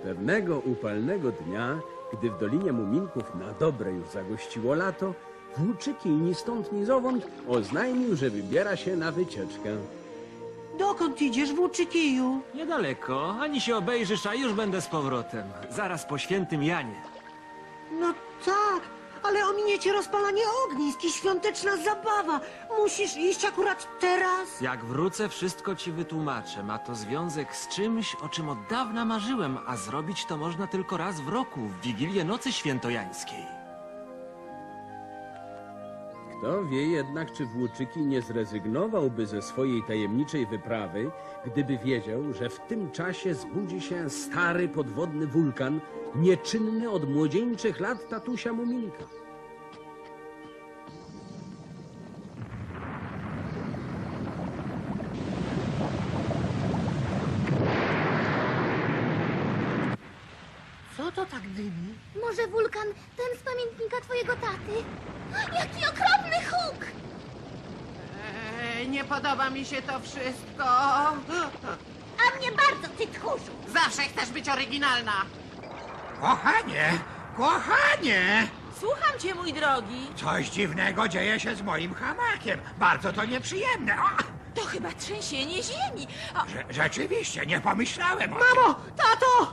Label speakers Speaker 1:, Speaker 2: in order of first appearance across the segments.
Speaker 1: Pewnego upalnego dnia, gdy w Dolinie Muminków na dobre już zagościło lato, Włóczyki ni stąd ni zowąd oznajmił, że wybiera się na wycieczkę.
Speaker 2: Dokąd idziesz, Włóczykiju?
Speaker 3: Niedaleko, ani się obejrzysz, a już będę z powrotem. Zaraz po świętym Janie.
Speaker 2: No tak, ale ominie cię rozpalanie ognisk i świąteczna zabawa. Musisz iść akurat teraz.
Speaker 3: Jak wrócę, wszystko ci wytłumaczę. Ma to związek z czymś, o czym od dawna marzyłem, a zrobić to można tylko raz w roku, w Wigilię Nocy Świętojańskiej.
Speaker 1: Kto wie jednak, czy Włóczyki nie zrezygnowałby ze swojej tajemniczej wyprawy, gdyby wiedział, że w tym czasie zbudzi się stary podwodny wulkan, nieczynny od młodzieńczych lat tatusia Muminka.
Speaker 2: Co to tak dymi?
Speaker 4: Może wulkan, ten z pamiętnika twojego taty? Jaki okropny huk!
Speaker 5: Nie podoba mi się to wszystko.
Speaker 4: A mnie bardzo, ty tchórzu!
Speaker 5: Zawsze chcesz być oryginalna.
Speaker 6: Kochanie, kochanie!
Speaker 5: Słucham cię, mój drogi.
Speaker 6: Coś dziwnego dzieje się z moim hamakiem. Bardzo to nieprzyjemne. O,
Speaker 5: To chyba trzęsienie ziemi.
Speaker 6: rzeczywiście, nie pomyślałem o tym.
Speaker 2: Mamo, tato!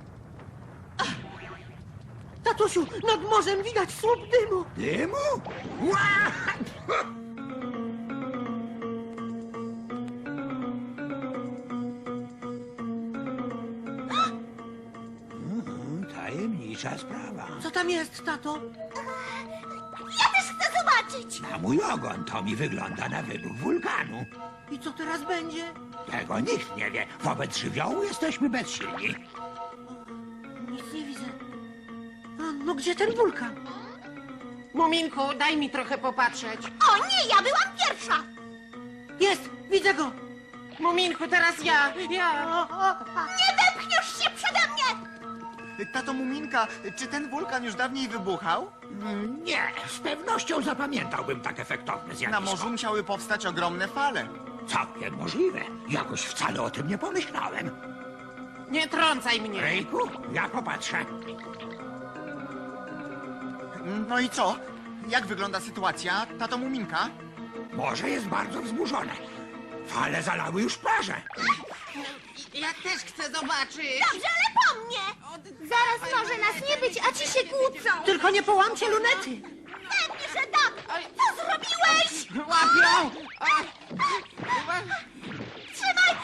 Speaker 2: Tatusiu, nad morzem widać słup dymu.
Speaker 6: Dymu? Ła! Tajemnicza sprawa.
Speaker 2: Co tam jest, tato?
Speaker 4: Ja też chcę zobaczyć!
Speaker 6: Na mój ogon to mi wygląda na wybuch wulkanu.
Speaker 2: I co teraz będzie?
Speaker 6: Tego nikt nie wie. Wobec żywiołu jesteśmy bezsilni.
Speaker 2: Nic nie widzę. A, no gdzie ten wulkan?
Speaker 5: Muminku, daj mi trochę popatrzeć.
Speaker 4: O nie, ja byłam pierwsza!
Speaker 2: Jest, widzę go.
Speaker 5: Muminku, teraz ja.
Speaker 4: Nie wepchniesz się przede mnie!
Speaker 7: Tato Muminka, czy ten wulkan już dawniej wybuchał?
Speaker 6: Nie, z pewnością zapamiętałbym tak efektowne zjawisko.
Speaker 7: Na morzu musiały powstać ogromne fale.
Speaker 6: Całkiem możliwe. Jakoś wcale o tym nie pomyślałem.
Speaker 5: Nie trącaj mnie.
Speaker 6: Rejku, ja popatrzę.
Speaker 7: No i co? Jak wygląda sytuacja, tato Muminka?
Speaker 6: Morze jest bardzo wzburzone. Fale zalały już plażę.
Speaker 5: Ja też chcę zobaczyć.
Speaker 4: Dobrze, ale po mnie! Zaraz może nas nie być, a ci się kłócą!
Speaker 2: Tylko nie połamcie lunety.
Speaker 4: Pewnie, że tak! Co zrobiłeś?
Speaker 5: Łapią!
Speaker 4: Trzymaj!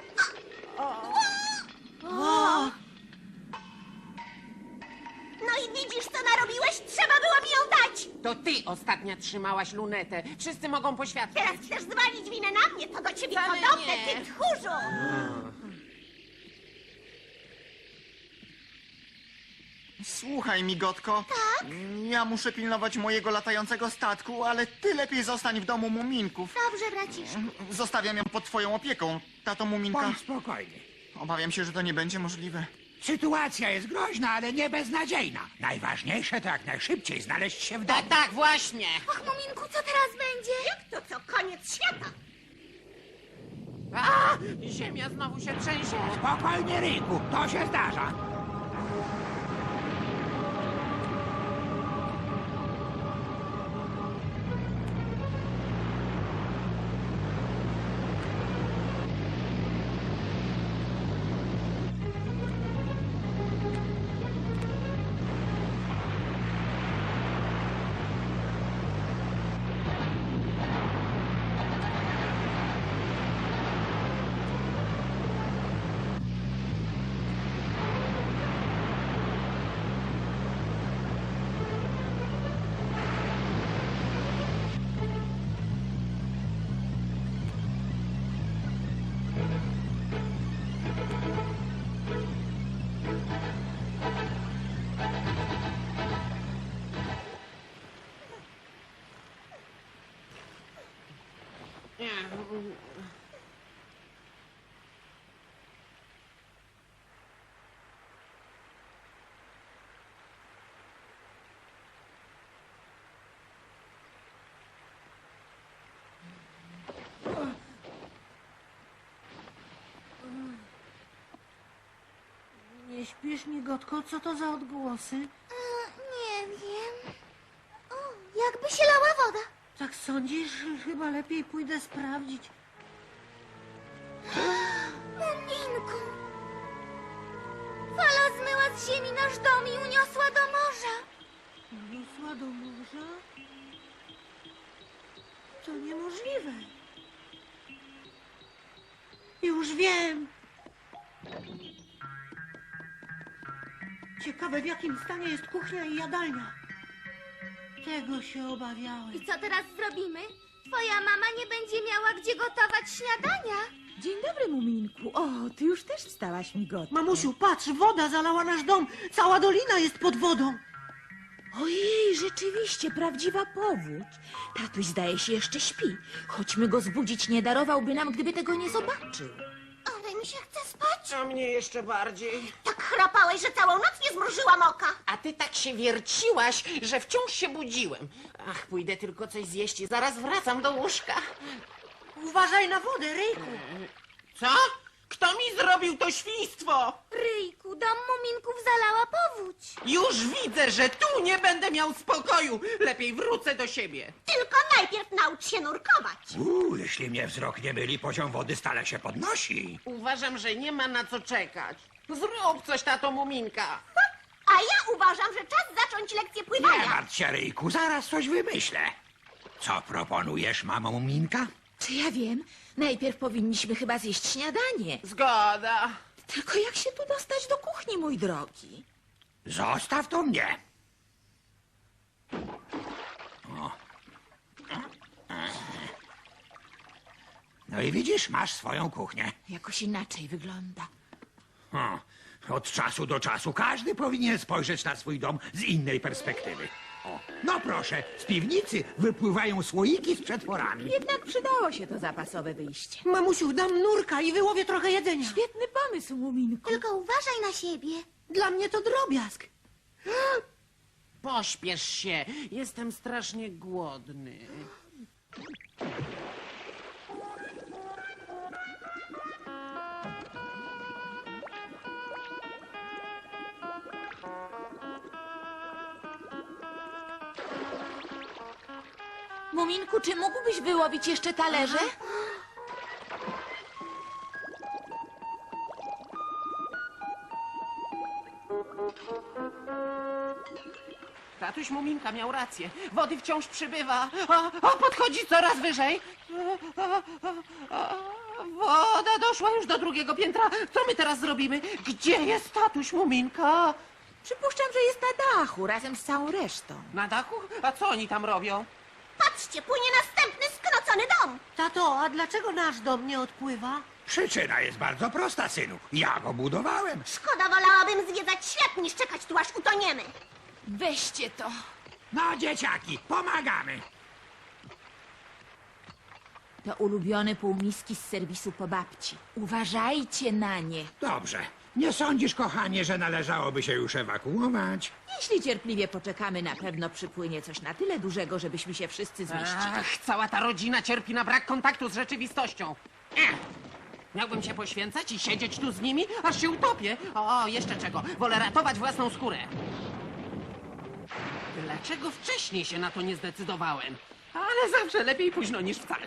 Speaker 4: No i widzisz, co narobiłeś? Trzeba było mi ją dać!
Speaker 5: To ty ostatnia trzymałaś lunetę. Wszyscy mogą poświadczyć.
Speaker 4: Teraz chcesz zwalić winę na mnie, to do ciebie
Speaker 5: Wcale
Speaker 4: podobne,
Speaker 5: nie.
Speaker 4: ty tchórzu!
Speaker 7: Słuchaj, migotko. Tak? Ja muszę pilnować mojego latającego statku, ale ty lepiej zostań w domu Muminków.
Speaker 4: Dobrze, braciszku.
Speaker 7: Zostawiam ją pod twoją opieką, tato Muminka.
Speaker 6: Bądź spokojny.
Speaker 7: Obawiam się, że to nie będzie możliwe.
Speaker 6: Sytuacja jest groźna, ale nie beznadziejna. Najważniejsze to jak najszybciej znaleźć się w domu.
Speaker 5: Tak, właśnie.
Speaker 4: Och, Muminku, co teraz będzie? Jak to co? Koniec świata!
Speaker 5: A, ziemia znowu się trzęsie.
Speaker 6: Spokojnie, Ryjku, to się zdarza.
Speaker 2: Nie śpisz, migotko? Co to za odgłosy?
Speaker 4: Nie wiem. O, jakby się lała woda.
Speaker 2: Tak sądzisz? Chyba lepiej pójdę sprawdzić.
Speaker 4: Muminku! Fala zmyła z ziemi nasz dom i uniosła do morza.
Speaker 2: Uniosła do morza? To niemożliwe. Już wiem. Ciekawe, w jakim stanie jest kuchnia i jadalnia. Tego się obawiałem.
Speaker 4: I co teraz zrobimy? Twoja mama nie będzie miała gdzie gotować śniadania.
Speaker 8: Dzień dobry, Muminku. O, ty już też wstałaś, migotko.
Speaker 2: Mamusiu, patrz, woda zalała nasz dom. Cała dolina jest pod wodą.
Speaker 8: Ojej, rzeczywiście, prawdziwa powódź. Tatuś zdaje się jeszcze śpi. Chodźmy go zbudzić, nie darowałby nam, gdyby tego nie zobaczył.
Speaker 4: Ale mi się chce spać.
Speaker 5: A mnie jeszcze bardziej.
Speaker 4: Tak chrapałeś, że całą noc nie zmrużyłam oka.
Speaker 5: A ty tak się wierciłaś, że wciąż się budziłem. Ach, pójdę tylko coś zjeść i zaraz wracam do łóżka.
Speaker 2: Uważaj na wodę, Ryjku.
Speaker 5: Co? Kto mi zrobił to świństwo?
Speaker 4: Ryjku, dom muminków zalała powódź.
Speaker 5: Już widzę, że tu nie będę miał spokoju. Lepiej wrócę do siebie.
Speaker 4: Tylko najpierw naucz się nurkować.
Speaker 6: Jeśli mnie wzrok nie myli, poziom wody stale się podnosi.
Speaker 5: Uważam, że nie ma na co czekać. Zrób coś, tato Muminka.
Speaker 4: A ja uważam, że czas zacząć lekcję
Speaker 6: Nie
Speaker 4: pływania.
Speaker 6: martw się, Ryjku, zaraz coś wymyślę. Co proponujesz, mamo Muminka?
Speaker 8: Czy ja wiem? Najpierw powinniśmy chyba zjeść śniadanie.
Speaker 5: Zgoda.
Speaker 8: Tylko jak się tu dostać do kuchni, mój drogi?
Speaker 6: Zostaw to mnie. O. No i widzisz, masz swoją kuchnię.
Speaker 8: Jakoś inaczej wygląda.
Speaker 6: Od czasu do czasu każdy powinien spojrzeć na swój dom z innej perspektywy. O, no proszę, z piwnicy wypływają słoiki z przetworami.
Speaker 8: Jednak przydało się to zapasowe wyjście.
Speaker 2: Mamusiu, dam nurka i wyłowię trochę jedzenia.
Speaker 8: Świetny pomysł, Muminku.
Speaker 4: Tylko uważaj na siebie.
Speaker 2: Dla mnie to drobiazg.
Speaker 5: Pośpiesz się. Jestem strasznie głodny.
Speaker 8: Muminku, czy mógłbyś wyłowić jeszcze talerze?
Speaker 5: Tatuś Muminka miał rację. Wody wciąż przybywa. A podchodzi coraz wyżej. Woda doszła już do drugiego piętra. Co my teraz zrobimy? Gdzie jest tatuś Muminka?
Speaker 8: Przypuszczam, że jest na dachu razem z całą resztą.
Speaker 5: Na dachu? A co oni tam robią?
Speaker 4: Patrzcie, płynie następny skrocony dom.
Speaker 2: Tato, a dlaczego nasz dom nie odpływa?
Speaker 6: Przyczyna jest bardzo prosta, synu. Ja go budowałem.
Speaker 4: Szkoda, wolałabym zwiedzać świat niż czekać tu aż utoniemy.
Speaker 8: Weźcie to.
Speaker 6: No, dzieciaki, pomagamy.
Speaker 8: To ulubione półmiski z serwisu po babci. Uważajcie na nie.
Speaker 6: Dobrze. Nie sądzisz, kochanie, że należałoby się już ewakuować?
Speaker 8: Jeśli cierpliwie poczekamy, na pewno przypłynie coś na tyle dużego, żebyśmy się wszyscy zmieścili.
Speaker 5: Ach, cała ta rodzina cierpi na brak kontaktu z rzeczywistością. Miałbym się poświęcać i siedzieć tu z nimi, aż się utopię. O, jeszcze czego. Wolę ratować własną skórę. Dlaczego wcześniej się na to nie zdecydowałem? Ale zawsze lepiej późno niż wcale.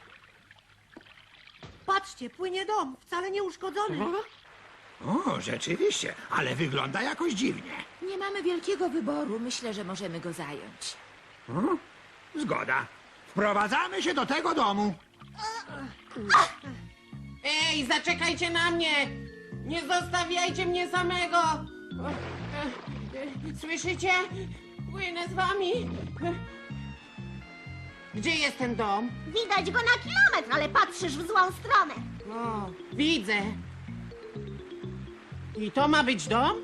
Speaker 2: Patrzcie, płynie dom, wcale nie uszkodzony.
Speaker 6: O, rzeczywiście, ale wygląda jakoś dziwnie.
Speaker 8: Nie mamy wielkiego wyboru. Myślę, że możemy go zająć.
Speaker 6: Zgoda. Wprowadzamy się do tego domu.
Speaker 5: Ej, zaczekajcie na mnie! Nie zostawiajcie mnie samego! Słyszycie? Płynę z wami. Gdzie jest ten dom?
Speaker 4: Widać go na kilometr, ale patrzysz w złą stronę.
Speaker 5: O, widzę. I to ma być dom?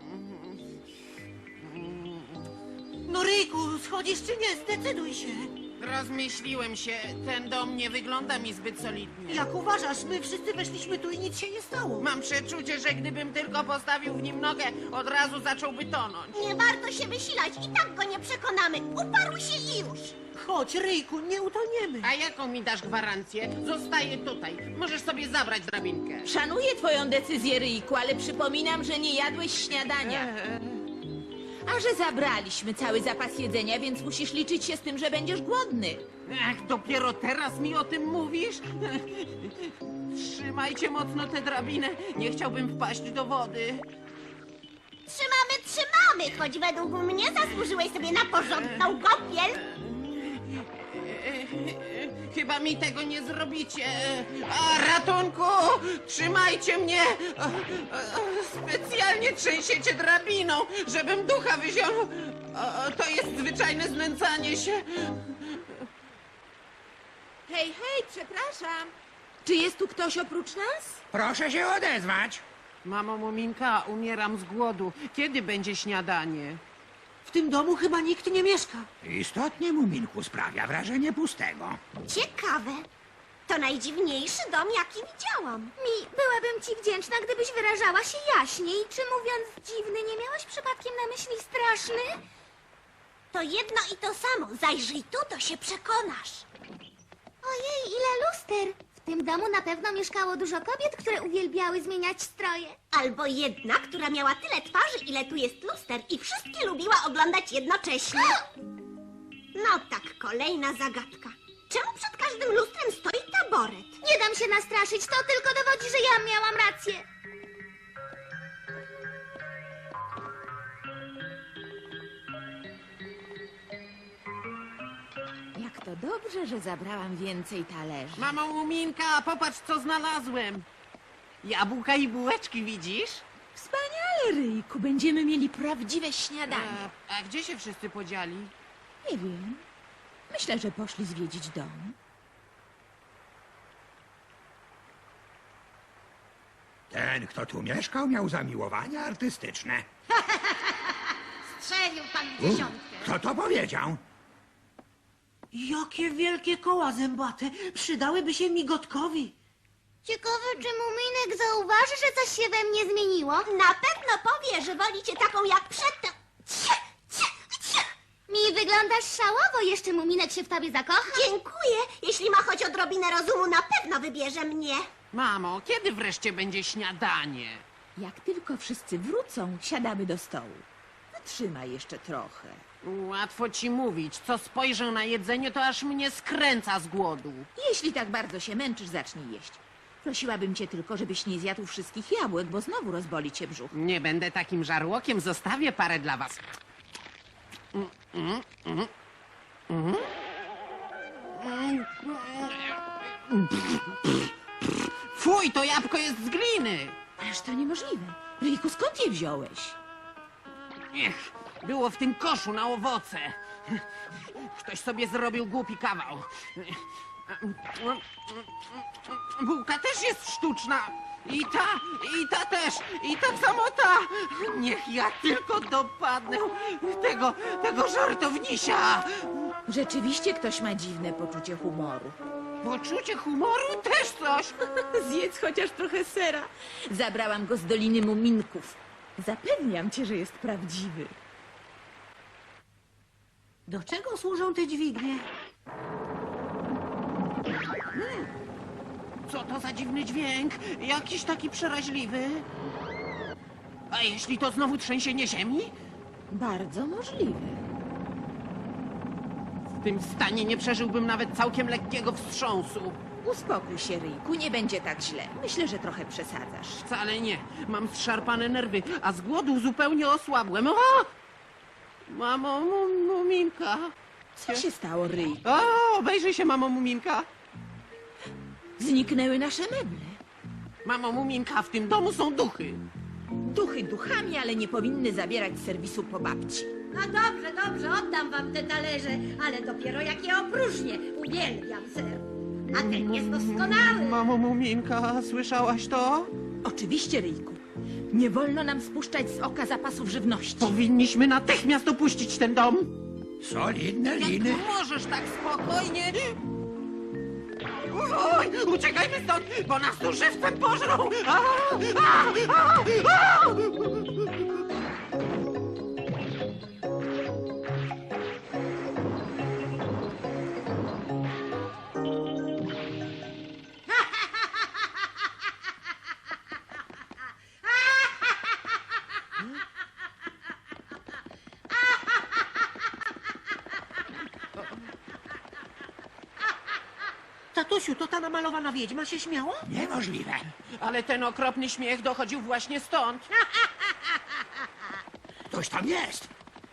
Speaker 2: No Ryjku, schodzisz czy nie? Zdecyduj się.
Speaker 5: Rozmyśliłem się. Ten dom nie wygląda mi zbyt solidnie.
Speaker 2: Jak uważasz, my wszyscy weszliśmy tu i nic się nie stało.
Speaker 5: Mam przeczucie, że gdybym tylko postawił w nim nogę, od razu zacząłby tonąć.
Speaker 4: Nie warto się wysilać, i tak go nie przekonamy. Uparł się i już.
Speaker 2: Chodź, Ryjku, nie utoniemy.
Speaker 5: A jaką mi dasz gwarancję? Zostaję tutaj. Możesz sobie zabrać drabinkę.
Speaker 8: Szanuję twoją decyzję, Ryjku, ale przypominam, że nie jadłeś śniadania. A że zabraliśmy cały zapas jedzenia, więc musisz liczyć się z tym, że będziesz głodny.
Speaker 5: Ach, dopiero teraz mi o tym mówisz? Trzymajcie mocno tę drabinę. Nie chciałbym wpaść do wody.
Speaker 4: Trzymamy! Choć według mnie zasłużyłeś sobie na porządną kąpiel.
Speaker 5: Chyba mi tego nie zrobicie. A, ratunku! Trzymajcie mnie! Specjalnie trzęsiecie drabiną, żebym ducha wyzionął. To jest zwyczajne znęcanie się.
Speaker 8: Hej, hej, przepraszam. Czy jest tu ktoś oprócz nas?
Speaker 6: Proszę się odezwać.
Speaker 5: Mamo Muminka, umieram z głodu. Kiedy będzie śniadanie?
Speaker 2: W tym domu chyba nikt nie mieszka.
Speaker 6: Istotnie, Muminku, sprawia wrażenie pustego.
Speaker 4: Ciekawe. To najdziwniejszy dom, jaki widziałam. Byłabym ci wdzięczna, gdybyś wyrażała się jaśniej. Czy mówiąc dziwny, nie miałaś przypadkiem na myśli straszny? To jedno i to samo. Zajrzyj tu, to się przekonasz. Ojej, ile luster! W tym domu na pewno mieszkało dużo kobiet, które uwielbiały zmieniać stroje. Albo jedna, która miała tyle twarzy, ile tu jest luster i wszystkie lubiła oglądać jednocześnie. No tak, kolejna zagadka. Czemu przed każdym lustrem stoi taboret? Nie dam się nastraszyć, to tylko dowodzi, że ja miałam rację.
Speaker 8: Jak to dobrze, że zabrałam więcej talerzy.
Speaker 5: Mamo Muminka, popatrz co znalazłem. Jabłka i bułeczki, widzisz?
Speaker 8: Wspaniale, Ryjku, będziemy mieli prawdziwe śniadanie.
Speaker 5: A gdzie się wszyscy podzieli?
Speaker 8: Nie wiem. Myślę, że poszli zwiedzić dom.
Speaker 6: Ten, kto tu mieszkał, miał zamiłowania artystyczne.
Speaker 4: Strzelił pan dziesiątkę.
Speaker 6: Kto to powiedział?
Speaker 2: Jakie wielkie koła zębate. Przydałyby się migotkowi.
Speaker 4: Ciekawe, czy Muminek zauważy, że coś się we mnie zmieniło? Na pewno powie, że woli cię taką jak przedtem. Mi wyglądasz szałowo, jeszcze Muminek się w tobie zakocha. Dziękuję. Jeśli ma choć odrobinę rozumu, na pewno wybierze mnie.
Speaker 5: Mamo, kiedy wreszcie będzie śniadanie?
Speaker 8: Jak tylko wszyscy wrócą, siadamy do stołu. Wytrzymaj jeszcze trochę.
Speaker 5: Łatwo ci mówić. Co spojrzę na jedzenie, to aż mnie skręca z głodu.
Speaker 8: Jeśli tak bardzo się męczysz, zacznij jeść. Prosiłabym cię tylko, żebyś nie zjadł wszystkich jabłek, bo znowu rozboli cię brzuch.
Speaker 5: Nie będę takim żarłokiem, zostawię parę dla was. Fuj, to jabłko jest z gliny!
Speaker 8: Ależ to niemożliwe. Ryjku, skąd je wziąłeś?
Speaker 5: Ech, było w tym koszu na owoce. Ktoś sobie zrobił głupi kawał. Bułka też jest sztuczna. I ta też. I tak samo ta. Niech ja tylko dopadnę tego żartownisia.
Speaker 8: Rzeczywiście ktoś ma dziwne poczucie humoru.
Speaker 5: Poczucie humoru też coś.
Speaker 8: Zjedz chociaż trochę sera. Zabrałam go z Doliny Muminków. Zapewniam cię, że jest prawdziwy.
Speaker 2: Do czego służą te dźwignie?
Speaker 5: Co to za dziwny dźwięk? Jakiś taki przeraźliwy. A jeśli to znowu trzęsienie ziemi?
Speaker 8: Bardzo możliwe.
Speaker 5: W tym stanie nie przeżyłbym nawet całkiem lekkiego wstrząsu.
Speaker 8: Uspokój się, Ryjku, nie będzie tak źle. Myślę, że trochę przesadzasz.
Speaker 5: Wcale nie. Mam zszarpane nerwy, a z głodu zupełnie osłabłem. O! Mamo Muminka.
Speaker 8: Co się stało, Ryjku?
Speaker 5: O, obejrzyj się, mamo Muminka.
Speaker 8: Zniknęły nasze meble.
Speaker 5: Mamo Muminka, w tym domu są duchy.
Speaker 8: Duchy duchami, ale nie powinny zabierać serwisu po babci.
Speaker 9: No dobrze, dobrze, oddam wam te talerze, ale dopiero jak je opróżnię. Uwielbiam ser. A ten jest doskonały.
Speaker 5: Mamo Muminka, słyszałaś to?
Speaker 8: Oczywiście, Ryjku. Nie wolno nam spuszczać z oka zapasów żywności.
Speaker 5: Powinniśmy natychmiast opuścić ten dom.
Speaker 6: Solidne liny.
Speaker 5: Jak możesz tak spokojnie? Oj, uciekajmy stąd, bo nas tu żywcem pożrą! A!
Speaker 2: Tatusiu, to ta namalowana wiedźma się śmiała?
Speaker 6: Niemożliwe.
Speaker 5: Ale ten okropny śmiech dochodził właśnie stąd.
Speaker 6: Ktoś tam jest.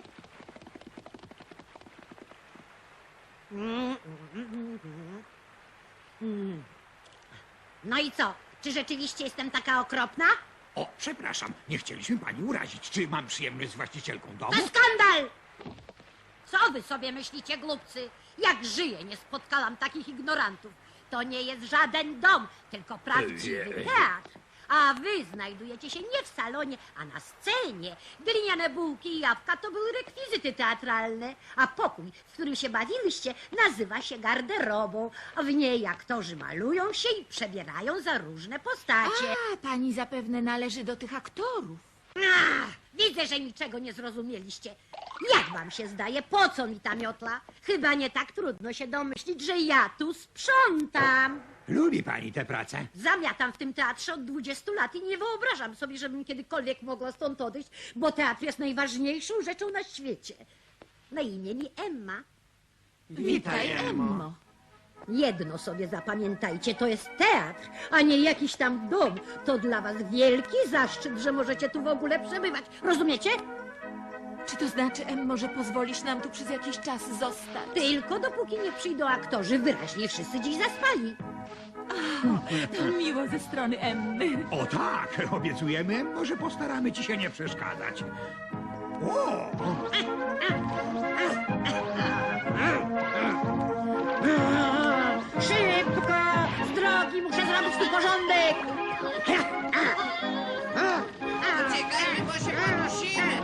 Speaker 9: No i co? Czy rzeczywiście jestem taka okropna?
Speaker 6: O, przepraszam, nie chcieliśmy pani urazić. Czy mam przyjemność z właścicielką domu?
Speaker 9: To skandal! Co wy sobie myślicie, głupcy? Jak żyję, nie spotkałam takich ignorantów. To nie jest żaden dom, tylko prawdziwy teatr. A wy znajdujecie się nie w salonie, a na scenie. Gliniane bułki i jabłka to były rekwizyty teatralne, a pokój, w którym się bawiłyście, nazywa się garderobą. W niej aktorzy malują się i przebierają za różne postacie.
Speaker 8: A, pani zapewne należy do tych aktorów.
Speaker 9: Ach, widzę, że niczego nie zrozumieliście. Jak wam się zdaje, po co mi ta miotla? Chyba nie tak trudno się domyślić, że ja tu sprzątam.
Speaker 6: Lubi pani tę pracę?
Speaker 9: Zamiatam w tym teatrze od 20 lat i nie wyobrażam sobie, żebym kiedykolwiek mogła stąd odejść, bo teatr jest najważniejszą rzeczą na świecie. Na imię mi Emma.
Speaker 8: Witaj, Emmo.
Speaker 9: Jedno sobie zapamiętajcie, to jest teatr, a nie jakiś tam dom. To dla was wielki zaszczyt, że możecie tu w ogóle przebywać. Rozumiecie?
Speaker 8: Czy to znaczy, Emmo, że pozwolisz nam tu przez jakiś czas zostać?
Speaker 9: Tylko dopóki nie przyjdą aktorzy, wyraźnie wszyscy dziś zaspali.
Speaker 8: To miło ze strony Emmy.
Speaker 6: O tak, obiecujemy, może postaramy ci się nie przeszkadzać. O!
Speaker 9: Szybko! Z drogi, muszę zrobić tu porządek!
Speaker 5: Uciekajmy, bo się podnosimy!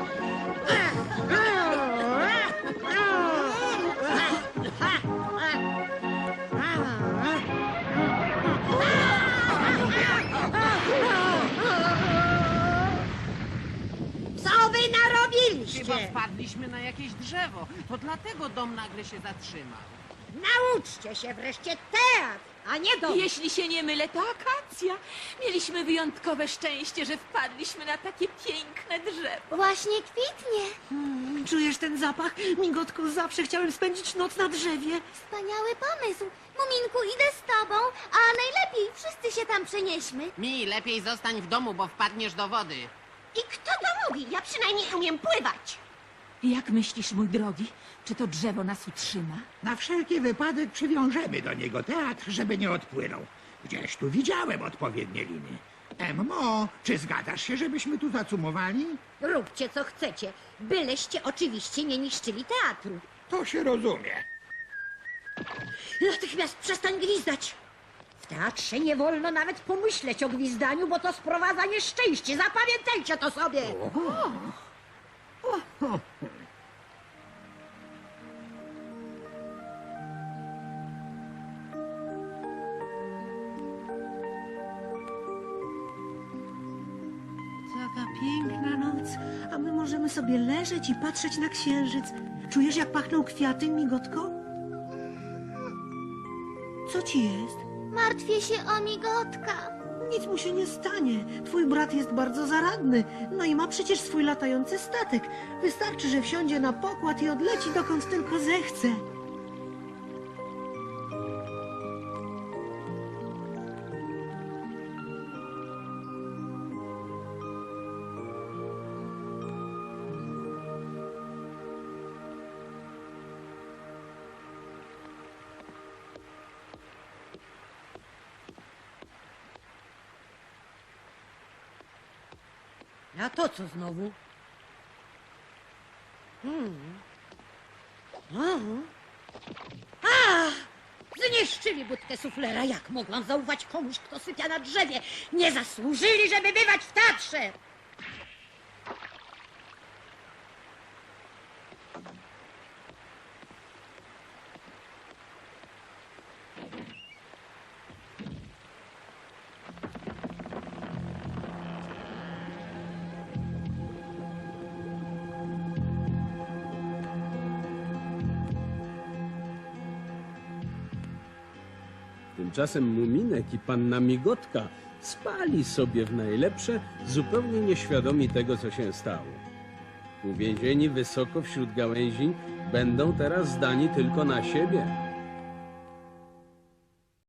Speaker 9: Co wy narobiliście?
Speaker 5: Chyba wpadliśmy na jakieś drzewo. To dlatego dom nagle się zatrzymał.
Speaker 9: Nauczcie się wreszcie teatr, a nie dom.
Speaker 8: Jeśli się nie mylę, to akacja. Mieliśmy wyjątkowe szczęście, że wpadliśmy na takie piękne drzewo.
Speaker 4: Właśnie kwitnie.
Speaker 2: Czujesz ten zapach? Migotku, zawsze chciałem spędzić noc na drzewie.
Speaker 4: Wspaniały pomysł. Muminku, idę z tobą, a najlepiej wszyscy się tam przenieśmy.
Speaker 5: Mi lepiej zostań w domu, bo wpadniesz do wody.
Speaker 9: I kto to mówi? Ja przynajmniej umiem pływać.
Speaker 8: Jak myślisz, mój drogi, czy to drzewo nas utrzyma?
Speaker 6: Na wszelki wypadek przywiążemy do niego teatr, żeby nie odpłynął. Gdzieś tu widziałem odpowiednie liny. Emmo, czy zgadzasz się, żebyśmy tu zacumowali?
Speaker 9: Róbcie co chcecie, byleście oczywiście nie niszczyli teatru.
Speaker 6: To się rozumie.
Speaker 9: Natychmiast przestań gwizdać. W teatrze nie wolno nawet pomyśleć o gwizdaniu, bo to sprowadza nieszczęście. Zapamiętajcie to sobie.
Speaker 2: Taka piękna noc, a my możemy sobie leżeć i patrzeć na księżyc. Czujesz, jak pachną kwiaty, Migotko? Co ci jest?
Speaker 4: Martwię się o migotka.
Speaker 2: Nic mu się nie stanie. Twój brat jest bardzo zaradny. No i ma przecież swój latający statek. Wystarczy, że wsiądzie na pokład i odleci dokąd tylko zechce.
Speaker 9: A to co znowu? Zniszczyli budkę suflera. Jak mogłam zaufać komuś, kto sypia na drzewie? Nie zasłużyli, żeby bywać w teatrze.
Speaker 1: Tymczasem Muminek i panna Migotka spali sobie w najlepsze, zupełnie nieświadomi tego, co się stało. Uwięzieni wysoko wśród gałęzi, będą teraz zdani tylko na siebie.